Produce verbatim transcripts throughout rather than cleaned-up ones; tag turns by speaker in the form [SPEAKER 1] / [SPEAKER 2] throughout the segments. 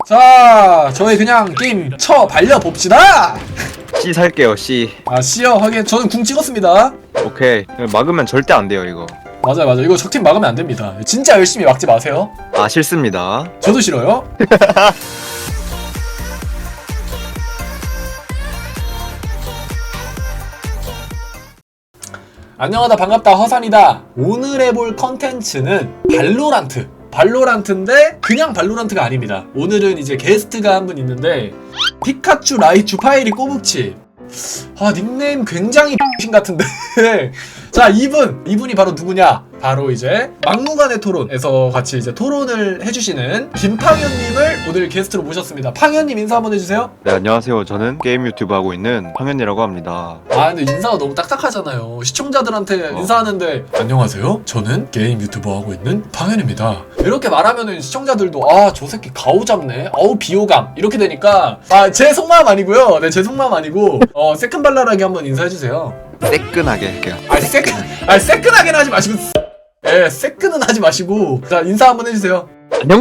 [SPEAKER 1] 자, 저희 그냥 게임 쳐 발려 봅시다.
[SPEAKER 2] C 살게요. C.
[SPEAKER 1] 아, C요. 하긴 저는 궁 찍었습니다.
[SPEAKER 2] 오케이. 막으면 절대 안 돼요 이거.
[SPEAKER 1] 맞아요, 맞아요. 이거 적팀 막으면 안 됩니다. 진짜 열심히 막지 마세요.
[SPEAKER 2] 아 싫습니다.
[SPEAKER 1] 저도 싫어요. 안녕하다, 반갑다, 허산이다. 오늘 해볼 컨텐츠는 발로란트. 발로란트인데 그냥 발로란트가 아닙니다. 오늘은 이제 게스트가 한 분 있는데 피카츄, 라이츄, 파이리, 꼬북치. 아, 닉네임 굉장히 X 같은데. 자, 이분 이분이 바로 누구냐? 바로 이제 막무가내 토론에서 같이 이제 토론을 해주시는 김팡현님을 오늘 게스트로 모셨습니다. 팡현님 인사 한번 해주세요.
[SPEAKER 2] 네 안녕하세요. 저는 게임 유튜브 하고 있는 황현이라고 합니다.
[SPEAKER 1] 아, 근데 인사가 너무 딱딱하잖아요. 시청자들한테
[SPEAKER 2] 어.
[SPEAKER 1] 인사하는데 안녕하세요, 저는 게임 유튜버 하고 있는 팡현입니다 이렇게 말하면은 시청자들도 아, 저 새끼 가오 잡네, 어우 비호감, 이렇게 되니까 아, 제 속마음 아니고요. 네, 제 속마음 아니고 어, 새끈발랄하게 한번 인사해주세요.
[SPEAKER 2] 새끈하게 할게요.
[SPEAKER 1] 아, 새끈, 아, 새끈하게는 하지 마시고, 예, 새끈은 하지 마시고, 자, 인사 한번 해주세요.
[SPEAKER 2] 안녕?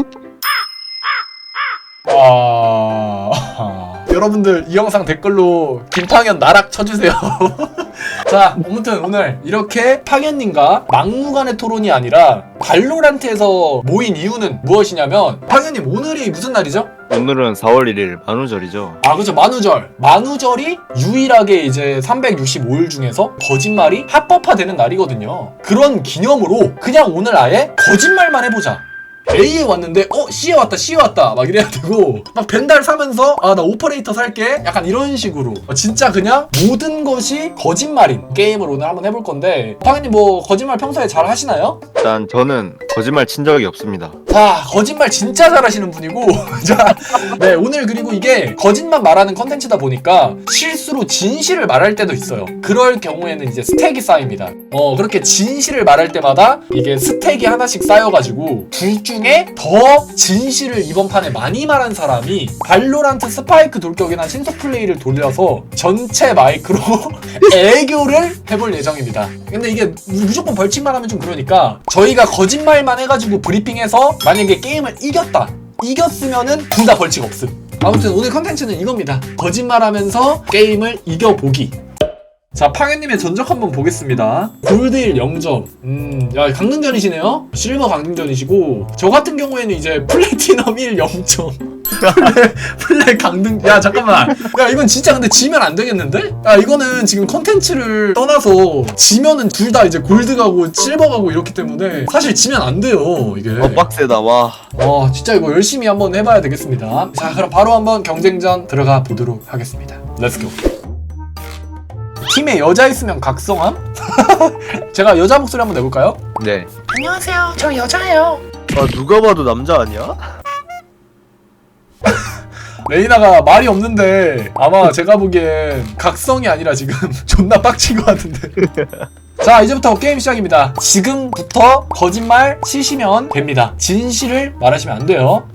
[SPEAKER 1] 아... 여러분들 이 영상 댓글로 김팡현 나락 쳐주세요. 자, 아무튼 오늘 이렇게 팡현님과 막무가내 토론이 아니라 발로란트에서 모인 이유는 무엇이냐면, 팡현님 오늘이 무슨 날이죠?
[SPEAKER 2] 오늘은 사월 일일 만우절이죠.
[SPEAKER 1] 아, 그렇죠. 만우절. 만우절이 유일하게 이제 삼백육십오 일 중에서 거짓말이 합법화되는 날이거든요. 그런 기념으로 그냥 오늘 아예 거짓말만 해보자. A에 왔는데 어? C에 왔다, C에 왔다 막 이래야 되고, 막 벤달 사면서 아, 나 오퍼레이터 살게, 약간 이런 식으로 진짜 그냥 모든 것이 거짓말인 게임을 오늘 한번 해볼 건데, 팡현님 뭐 거짓말 평소에 잘 하시나요?
[SPEAKER 2] 일단 저는 거짓말 친 적이 없습니다.
[SPEAKER 1] 자, 거짓말 진짜 잘하시는 분이고. 자, 네, 오늘 그리고 이게 거짓말 말하는 컨텐츠다 보니까 실수로 진실을 말할 때도 있어요. 그럴 경우에는 이제 스택이 쌓입니다. 어, 그렇게 진실을 말할 때마다 이게 스택이 하나씩 쌓여가지고 둘 중에 더 진실을 이번 판에 많이 말한 사람이 발로란트 스파이크 돌격이나 신속 플레이를 돌려서 전체 마이크로 애교를 해볼 예정입니다. 근데 이게 무조건 벌칙만 하면 좀 그러니까 저희가 거짓말만 해가지고 브리핑해서 만약에 게임을 이겼다, 이겼으면은 둘 다 벌칙 없음. 아무튼 오늘 컨텐츠는 이겁니다. 거짓말하면서 게임을 이겨보기. 자, 팡현님의 전적 한번 보겠습니다. 골드일 영 점. 음, 야, 강등전이시네요? 실버 강등전이시고, 저 같은 경우에는 이제 플래티넘 일 영 점. 플레, 플레 강등. 야, 잠깐만. 야, 이건 진짜 근데 지면 안 되겠는데? 야, 이거는 지금 컨텐츠를 떠나서 지면은 둘 다 이제 골드 가고 실버 가고 이렇기 때문에 사실 지면 안 돼요, 이게.
[SPEAKER 2] 어 빡세다 와.
[SPEAKER 1] 와, 진짜 이거 열심히 한번 해봐야 되겠습니다. 자, 그럼 바로 한번 경쟁전 들어가 보도록 하겠습니다. 렛츠고. 팀에 여자 있으면 각성함? 제가 여자 목소리 한번 내볼까요?
[SPEAKER 2] 네.
[SPEAKER 3] 안녕하세요. 저 여자예요.
[SPEAKER 2] 아 누가 봐도 남자 아니야?
[SPEAKER 1] 레이나가 말이 없는데 아마 제가 보기엔 각성이 아니라 지금 존나 빡친 것 같은데. 자, 이제부터 게임 시작입니다. 지금부터 거짓말 치시면 됩니다. 진실을 말하시면 안 돼요.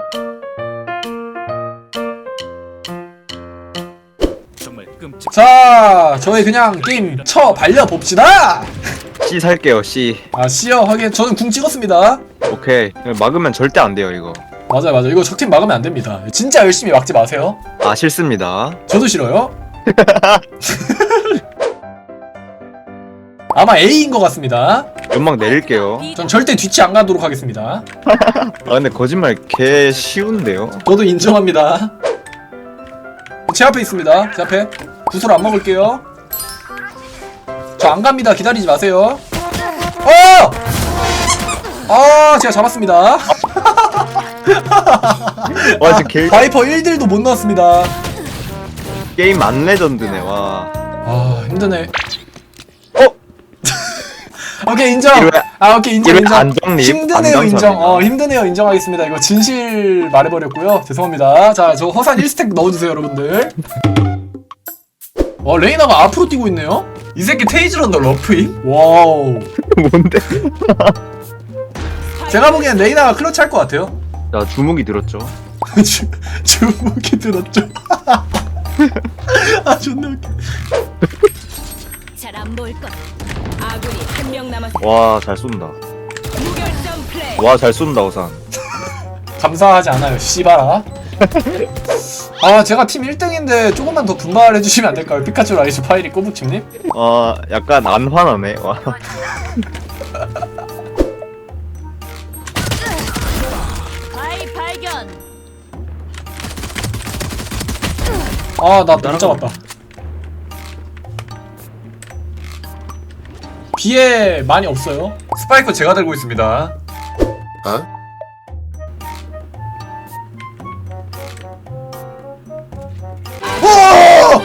[SPEAKER 1] 자, 저희 그냥 게임 쳐 발려 봅시다.
[SPEAKER 2] C 살게요. C.
[SPEAKER 1] 아, C요. 하긴 저는 궁 찍었습니다.
[SPEAKER 2] 오케이. 막으면 절대 안 돼요 이거.
[SPEAKER 1] 맞아요, 맞아요. 이거 적팀 막으면 안 됩니다. 진짜 열심히 막지 마세요.
[SPEAKER 2] 아 싫습니다.
[SPEAKER 1] 저도 싫어요. 아마 A인 것 같습니다.
[SPEAKER 2] 연막 내릴게요.
[SPEAKER 1] 전 절대 뒤치 안 가도록 하겠습니다.
[SPEAKER 2] 아 근데 거짓말 개 쉬운데요?
[SPEAKER 1] 저도 인정합니다. 제 앞에 있습니다. 제 앞에. 구슬 안 먹을게요. 저 안 갑니다. 기다리지 마세요. 어! 아, 제가 잡았습니다.
[SPEAKER 2] 와 진짜 개
[SPEAKER 1] 바이퍼 일 딜도 못 넣었습니다.
[SPEAKER 2] 게임 안 레전드네 와.
[SPEAKER 1] 아, 힘드네.
[SPEAKER 2] 어?
[SPEAKER 1] 오케이, 인정.
[SPEAKER 2] 이러면-
[SPEAKER 1] 아, 오케이, 인정,
[SPEAKER 2] 이러면
[SPEAKER 1] 인정.
[SPEAKER 2] 안정립,
[SPEAKER 1] 힘드네요, 인정.
[SPEAKER 2] 안정선이다.
[SPEAKER 1] 어, 힘드네요, 인정하겠습니다. 이거 진실 말해버렸고요. 죄송합니다. 자, 저 허산 일 스택 넣어주세요, 여러분들. 와, 레이나가 앞으로 뛰고 있네요? 이 새끼 테이즈런더 러프임? 와우.
[SPEAKER 2] 뭔데?
[SPEAKER 1] 제가 보기엔 레이나가 클러치 할 것 같아요.
[SPEAKER 2] 자 주무기 들었죠?
[SPEAKER 1] 주, 주무기 들었죠? 아, 존나 웃겨.
[SPEAKER 4] 잘 안 보일 것. 아군이 한 명 남았.
[SPEAKER 2] 와 잘 쏜다.
[SPEAKER 4] 무결점 플레이.
[SPEAKER 2] 와 잘 쏜다 우산.
[SPEAKER 1] 감사하지 않아요 씨발아. 아 제가 팀 일 등인데 조금만 더 분발해주시면 안될까요? 피카츄 라이즈 파이리 꼬북침님?
[SPEAKER 2] 어 약간 안 화나네. 와.
[SPEAKER 4] 바이 발견.
[SPEAKER 1] 아 나 못 잡았다. 비에 많이 없어요. 스파이크 제가 들고 있습니다.
[SPEAKER 5] 어?
[SPEAKER 1] 오!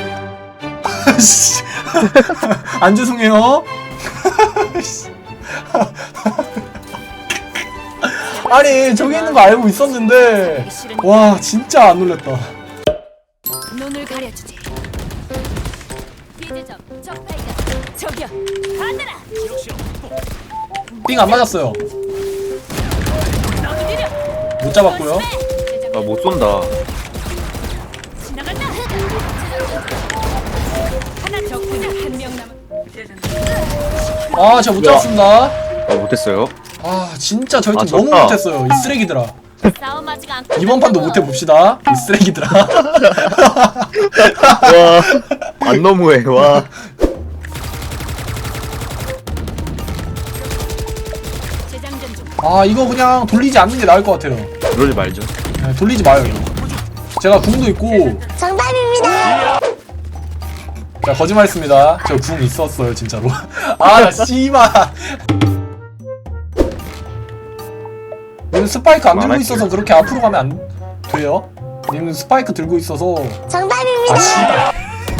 [SPEAKER 1] 안 죄송해요. 아니 저기 있는 거 알고 있었는데 와 진짜 안 놀랬다.
[SPEAKER 4] 눈을 가려주지. 비대점 적 발견. 저기요. 가느라.
[SPEAKER 1] 삥 안 맞았어요.
[SPEAKER 4] 너도 느려.
[SPEAKER 1] 못 잡았고요.
[SPEAKER 2] 아 못 쏜다.
[SPEAKER 4] 지나간다. 하나 적군이 한 명 남았.
[SPEAKER 1] 아 제가 못 잡았습니다.
[SPEAKER 2] 아 못했어요.
[SPEAKER 1] 아 진짜 저희 팀
[SPEAKER 2] 아,
[SPEAKER 1] 너무
[SPEAKER 2] 졌다.
[SPEAKER 1] 못했어요. 이 쓰레기들아.
[SPEAKER 4] 싸움 아직 안 끝났다고.
[SPEAKER 1] 이번 판도 못해 봅시다. 이 쓰레기들아.
[SPEAKER 2] 와안 너무해. 와.
[SPEAKER 4] 재장전 중.
[SPEAKER 1] 아 이거 그냥 돌리지 않는 게 나을 것 같아요.
[SPEAKER 2] 그러지 말죠.
[SPEAKER 1] 네, 돌리지 마요 이거. 제가 궁도 있고.
[SPEAKER 3] 정답입니다.
[SPEAKER 1] 자 거짓말했습니다. 저 궁 있었어요 진짜로. 아 씨발. 님 스파이크 안 들고 있어서 그렇게 앞으로 가면 안 돼요? 님 스파이크 들고 있어서.
[SPEAKER 3] 정답입니다.
[SPEAKER 1] 아 씨발.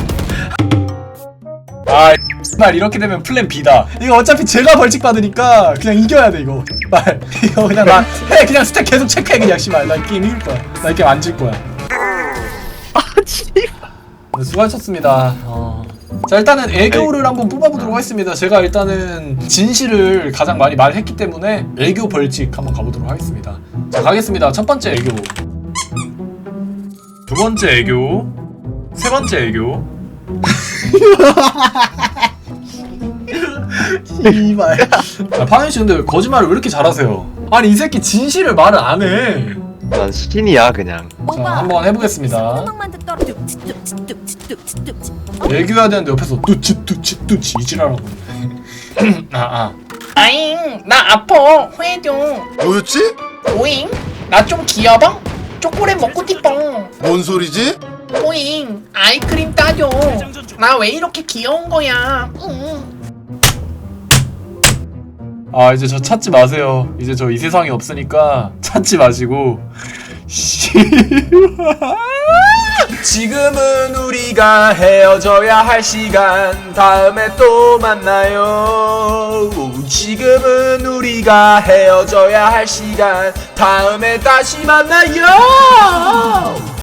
[SPEAKER 1] 아 씨발 이렇게 되면 플랜 B다. 이거 어차피 제가 벌칙 받으니까 그냥 이겨야 돼 이거. 말 이거 그냥 나 해 그냥 스택 계속 체크해 그냥 씨발. 나 이 게임 이길 거야. 나 이 게임 안 질 거야. 아 씨발. 네, 수고하셨습니다. 어. 자 일단은 애교를 한번 뽑아보도록 하겠습니다. 제가 일단은 진실을 가장 많이 말했기 때문에 애교 벌칙 한번 가보도록 하겠습니다. 자 가겠습니다. 첫 번째 애교, 두 번째 애교, 세 번째 애교. 이발. 아, 파현 씨 근데 거짓말을 왜 이렇게 잘하세요? 아니 이 새끼 진실을 말을 안 해.
[SPEAKER 2] 난 신이야 그냥.
[SPEAKER 1] 자 한번 해보겠습니다.
[SPEAKER 4] 음악만 듣더라. 뚝뚝뚝뚝뚝뚝뚝.
[SPEAKER 1] 애교해야 되는데 옆에서 뚜치 뚜치 뚜치 이지랄하고 있네. 아 아.
[SPEAKER 3] 아잉, 나 아파. 회해줘.
[SPEAKER 5] 뭐였지?
[SPEAKER 3] 오잉, 나 좀 귀여워? 초콜릿 먹고 싶어.
[SPEAKER 5] 뭔 소리지?
[SPEAKER 3] 오잉, 아이크림 따줘. 나 왜 이렇게 귀여운 거야? 응.
[SPEAKER 1] 아 이제 저 찾지 마세요. 이제 저 이 세상에 없으니까 찾지 마시고. 지금은 우리가 헤어져야 할 시간. 다음에 또 만나요. 지금은 우리가 헤어져야 할 시간. 다음에 다시 만나요.